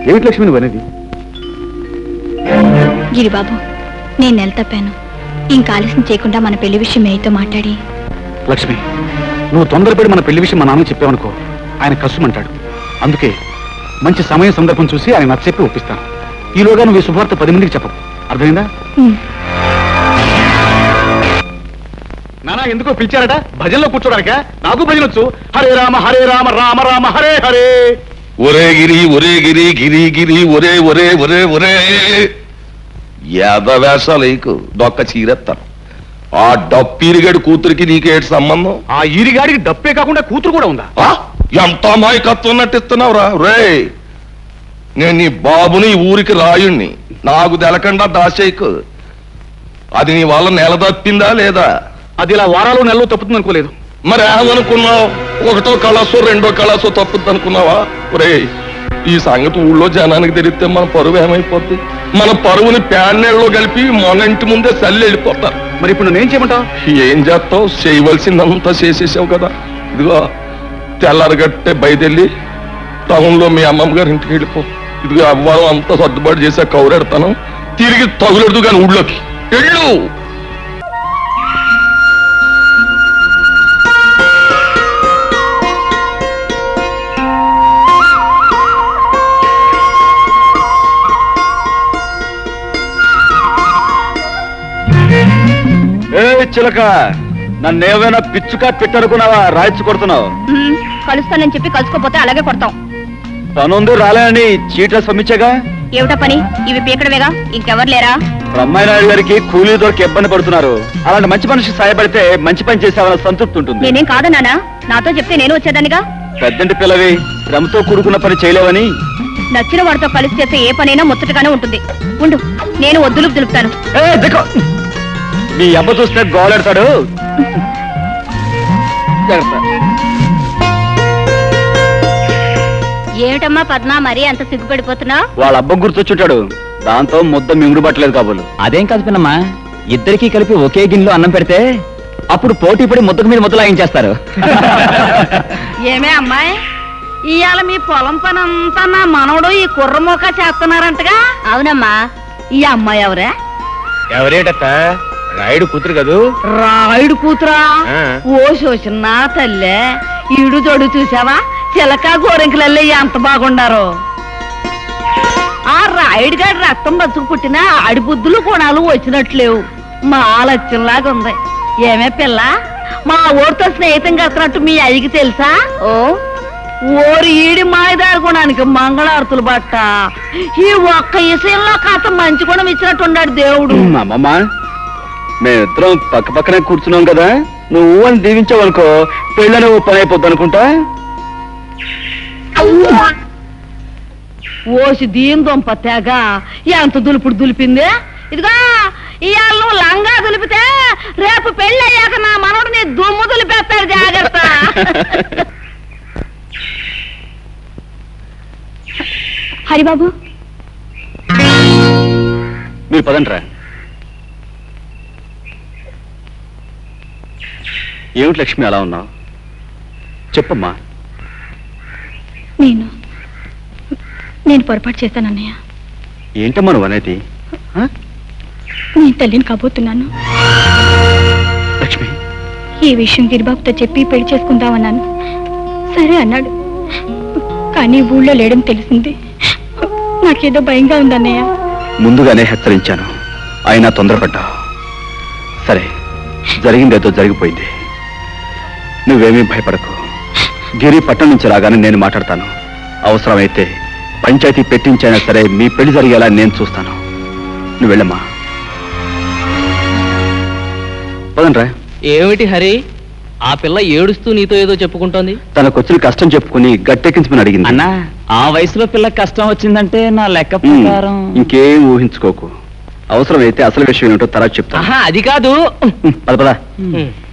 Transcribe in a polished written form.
ఏమిటి లక్ష్మి నువ్వు అనేది? గిరిబాబు, నేను నెల తప్పాను. ఇంకా ఆలస్యం చేయకుండా మన పెళ్లి విషయం మేయతో మాట్లాడి. లక్ష్మి, నువ్వు తొందరపడి మన పెళ్లి విషయం మా నాన్నకి చెప్పావనుకో, ఆయన కష్టమంటాడు. అందుకే మంచి సమయం సందర్భం చూసి ఆయన నచ్చచెప్పి ఒప్పిస్తాను. ఈలోగా నువ్వు ఈ శుభవార్త 10 మందికి చెప్పవు. అర్థమైందా? నానా ఎందుకో పిలిచారట? భజనలో కూర్చోడానిక? నాకు భజన వచ్చు. హరే రామ రామ రామ హరే హరే. ఒరే గిరి ఒరే గిరి గిరి గిరి ఒరే ఒరే ఒరే ఒరే యాదవేషాలకు దొక్క చీరెత్తాను. ఆ డప్పీరిగాడి కూతురికి నీకేటి సంబంధం? ఆ ఈరిగాడికి డప్పే కాకుండా కూతురు కూడా ఉందా? ఎంత అమాయకత్వం నటిస్తున్నావురా రే. నేను నీ బాబుని ఊరికి రాయుణ్ణి, నాకు తెలకుండా దాచేయకు. అది నీ వల్ల నెల తప్పిందా లేదా? అది ఇలా వారాలు నెలలో తప్పుతుంది అనుకోలేదు. మరి ఏమనుకున్నావు? ఒకటో కళాసో రెండో కళాసో తప్పుద్ది అనుకున్నావా? ఒరే, ఈ సంగతి ఊళ్ళో జనానికి తెలిస్తే మన పరువు ఏమైపోద్ది? మన పరువుని ప్యాన్నెళ్ళలో కలిపి మన ఇంటి ముందే చల్లి వెళ్ళిపోతారు. మరి ఇప్పుడు నేనేం చేయమంటావు? ఏం చేస్తావు? చేయవలసిందంతా చేసేసావు కదా. ఇదిగో తెల్లారగట్టే బయటెళ్ళి టౌన్లో మీ అమ్మమ్మ గారి ఇంటికి వెళ్ళిపో. ఇదిగో అవ్వాలం అంతా సర్దుబాటు చేసా కౌరెడతాను. తిరిగి తగులెడదు కానీ ఊళ్ళోకి వెళ్ళు. చిలక, నన్నేమైనా పిచ్చుకా పెట్టనుకున్నావా? రాయిచ్చు కొడుతున్నావు. కలుస్తానని చెప్పి కలుసుకోపోతే అలాగే కొడతాం. పనుంది రాలేనని చీట్ల పంపించగా. ఏమిటా పని? ఇవి పీకడమేగా, ఇంకెవరు లేరా? బ్రహ్మాయినాయుడు గారికి కూలీ దొరికి ఇబ్బంది పడుతున్నారు. అలాంటి మంచి మనిషికి సాయపడితే మంచి పని చేసావన్న సంతృప్తి ఉంటుంది. నేనేం కాదన్నానా? నాతో చెప్తే నేను వచ్చేదానిగా. పెద్దంటి పిల్లవి, శ్రమతో కూడుకున్న పని చేయలేవని. నచ్చిన వాడితో కలిసి చేస్తే ఏ పనైనా ముచ్చటగానే ఉంటుంది. ఉండు, నేను వద్దులు దులుపుతాను. మీ అబ్బ చూస్తే గోలెడతాడు. ఏమిటమ్మా పద్మ, మరీ అంత సిగ్గుపడిపోతున్నావు? వాళ్ళ అబ్బ గుర్తొచ్చుంటాడు. దాంతో ముద్ద మింగుడు పట్టలేదు కాబోలు. అదేం కాదు పిన్నమ్మా, ఇద్దరికి కలిపి ఒకే గిన్నెలో అన్నం పెడితే అప్పుడు పోటీ పడి ముద్దకు మీద ముద్ద లాగించేస్తారు. ఏమే అమ్మాయి, ఇవాళ మీ పొలం పని అంతా నా మనవడు ఈ కుర్రమోక చేస్తున్నారంటగా? అవునమ్మా. ఈ అమ్మాయి ఎవరే? ఎవరేటత్త? రాయుడు కూతురు కదూ. రాయుడు కూతురా? ఓ శోషన్న తల్లే, ఈడు జోడు చూసావా? చిలక గోరెంకలల్లే ఎంత బాగుండారో. ఆ రాయుడు గారి రక్తం బతుకు పుట్టిన ఆడి బుద్ధులు గుణాలు వచ్చినట్లేవు. మా లక్ష్యంలాగా ఉంది. ఏమే పిల్ల, మా ఊరితో స్నేహితం కడుతున్నట్టు మీ అయ్యకి తెలుసా? ఓ, ఓరి ఈడి మాయదారి గుణానికి మంగళారతులు బట్ట. ఈ ఒక్క విషయంలో కాస్త మంచి గుణం ఇచ్చినట్టున్నాడు దేవుడు. అమ్మమ్మ, మేమిద్దరం పక్క పక్కనే కూర్చున్నాం కదా, నువ్వు అని దీవించావనుకో పెళ్ళని ఓ పని అయిపోద్ది అనుకుంటా. ఓసి దీని దొంప తెగ ఎంత దులుపుడు దులిపింది. ఇదిగో ఇవాళ నువ్వు లంగా దులిపితే రేపు పెళ్లి అయ్యాక నా మనవడు నీ దుమ్ము దులిపేస్తాడు, జాగ్రత్త. హరిబాబు, మీరు పదంట్రా. ఏమిటి లక్ష్మి అలా ఉన్నావు? చెప్పమ్మా. నేను పొరపాటు చేశానన్నయ్య. ఏంటమ్మా నువ్వు అనేది? నేను తల్లిని కాబోతున్నాను. లక్ష్మి, ఈ విషయం గిరిబాబుతో చెప్పి పెళ్లి చేసుకుందామన్నాను. సరే అన్నాడు. కానీ ఊళ్ళో లేడని తెలిసింది. నాకేదో భయంగా ఉందన్నయ్య. ముందుగానే హెచ్చరించాను, అయినా తొందరపడ్డావు. సరే, జరిగిందేదో జరిగిపోయింది. నువ్వేమీ భయపడకు. గిరి పట్టణం నుంచి రాగానే నేను మాట్లాడతాను. అవసరమైతే పంచాయతీ పెట్టించైనా సరే మీ పెళ్లి జరిగేలా నేను చూస్తాను. నువ్వు వెళ్ళమ్మా. పదండ్రా. ఏమిటి హరి, ఆ పిల్ల ఏడుస్తూ నీతో ఏదో చెప్పుకుంటోంది? తనకొచ్చిన కష్టం చెప్పుకుని గట్టెక్కించమని అడిగింది. అన్నా, ఆ వయసులో పిల్ల కష్టం వచ్చిందంటే నా లెక్క ప్రకారం ఇంకేం ఊహించుకోకు. అవసరమైతే అసలు విషయం ఏమిటో తర్వాత చెప్తాను. అది కాదు. పద పద.